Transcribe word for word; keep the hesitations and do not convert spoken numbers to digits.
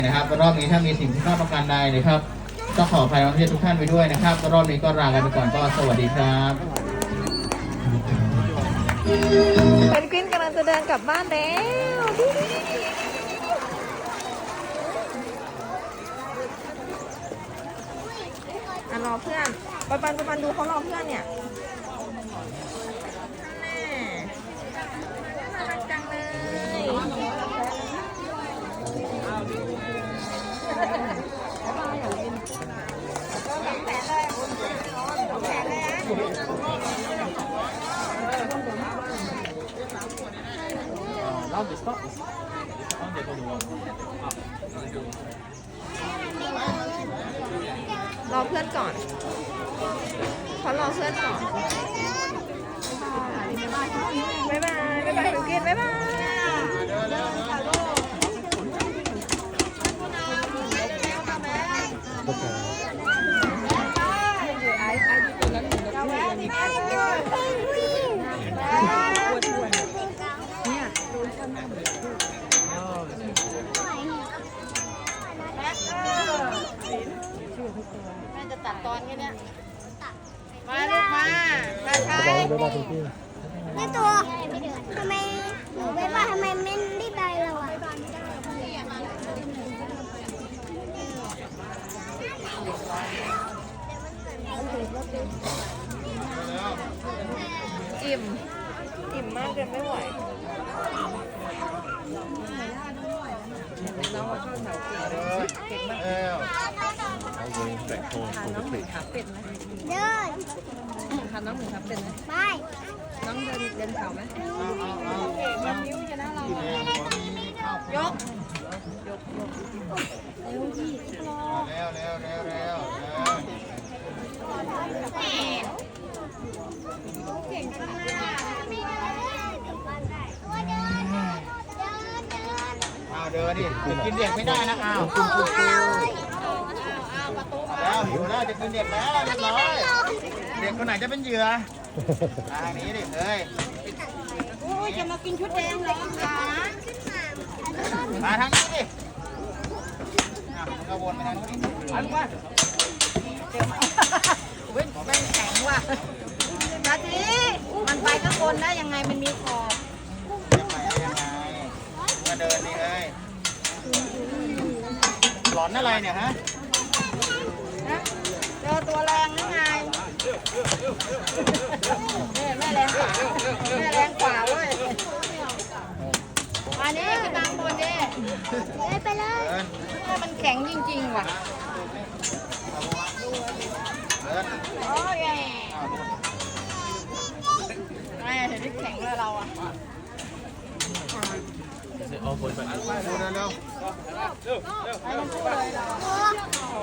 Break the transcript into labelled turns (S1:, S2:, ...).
S1: นะครับรอบนี้ถ้ามีสิ่งที่ต้องประการใดนะครับต้องขออภัยนักเรียนทุกท่านไปด้วยนะครับรอบนี้ก็ลากันไปก่อนก็สวัสดีครับ
S2: เพนกวินกำลังจะเดินกลับบ้านแล้วอ่ะรอเพื่อนปันปันปันดูเขารอเพื่อนเนี่ยแน่น่ารักจังเลยรอเพื่อนก่อนเขารอเพื่อนก่อนบ๊ายบายบ๊ายบายคุณกินบ๊ายบายจะตัดตอนแค่นี้มาลูกมามาใช้
S3: นี่ตัวทำไมหนูไปว่าทำไมไม่ได้ไปเราอ่ะ
S2: อิ่มอิ่มมากจนไม่ไหวน้องว่าชอบแถวเก่งมากพาน้องหนึ่งขับเป็นไหม
S3: เดิน
S2: พาน้องหนึ่งขับเป็นไหม
S3: ไป
S2: น้องเดินเดินเขาไหมยกนิ้วจะน่าเรายกยกยกเร็วพี่รอ
S1: เร็วเร็วเร็วเร็ว
S2: เก่งจังเลย
S1: อ้าวเดินดิจะกินเด็กไม่ได้นะอ้าวแล้วหิวแล้วจะกินเด็กแล้วเรียบร้อยเด็กคนไหนจะเป็นเหยื่อทางนี้ดิเฮ้ย
S3: โอ้ยจะมากินชุดแดงเลยค่ะ
S1: มาทางนี้ดิอ่ะมันก็วนไปทางนี้ดิไปลูกมา
S2: เว้ยแม่งแข็งว่ะตาทีมันไปข้างบนได้ยังไงมันมีขอบ
S1: ยังไงยังไงมาเดินนี่เฮ้ยหลอนอะไรเนี่ยฮะ
S2: นะเจอตัวแรงยังไงแม่แรงกว่าแม่แรงกว่าเว้ยมานี่ไปตามบนดิ
S3: เลยไปเลย
S1: เดิน
S2: แม่มันแข็งจริงๆว่ะ
S1: เดิน
S2: โอ้ยแม่เห็นที่แข็งเลยเราอ่ะ
S1: ดูเร็ว
S2: ไปกันสู้เลยเรา
S3: โอ้